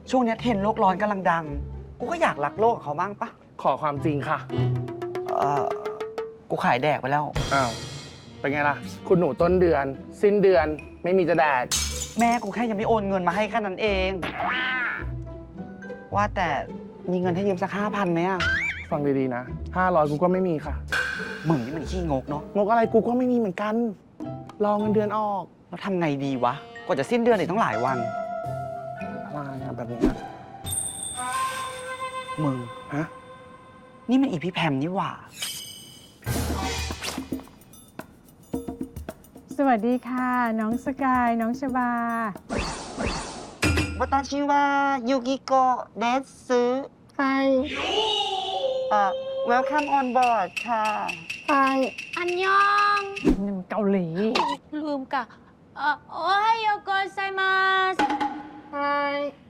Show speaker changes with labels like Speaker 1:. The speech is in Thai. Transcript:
Speaker 1: ช่วงนี้เทรนด์โลกร้อนกำลังดัง กูก็อยากรักโลกกับเขาบ้างปะ
Speaker 2: ขอความจริงค่ะ
Speaker 1: เออกูขายแดกไปแล้ว
Speaker 2: อ้าว เป็นไงล่ะ คุณหนูต้นเดือน สิ้นเดือนไม่มีจะแดก
Speaker 1: แม่กูแค่ยังไม่โอนเงินมาให้แค่นั้นเอง ว่าแต่มีเงินให้ยืมสัก5,000ไหมอะ
Speaker 2: ฟังดีๆนะ500กูก็ไม่มีค่ะ
Speaker 1: มึงนี่มันขี้งกเนาะ
Speaker 2: งกอะไรกูก็ไม่มีเหมือนกัน รอเงินเดือนออก
Speaker 1: แล้วทำไงดีวะ กว่าจะสิ้นเดือนอีกต้องหลายวัน
Speaker 2: อะไรอะแบบนี้นะ
Speaker 1: มึง
Speaker 2: ฮะ
Speaker 1: นี่มันอีพี่แพมนี่หว่า
Speaker 3: สวัสดีค่ะ น้องสกาย น้องชบา
Speaker 1: วัตชิวะยูกิโกะเดสซึ
Speaker 3: ไป
Speaker 1: welcome on board ค่ะ
Speaker 3: ไป
Speaker 4: อันยอง
Speaker 3: นี่มันเกาหลี
Speaker 4: ลืมกะโอไฮโอโกไซมาส
Speaker 3: ไป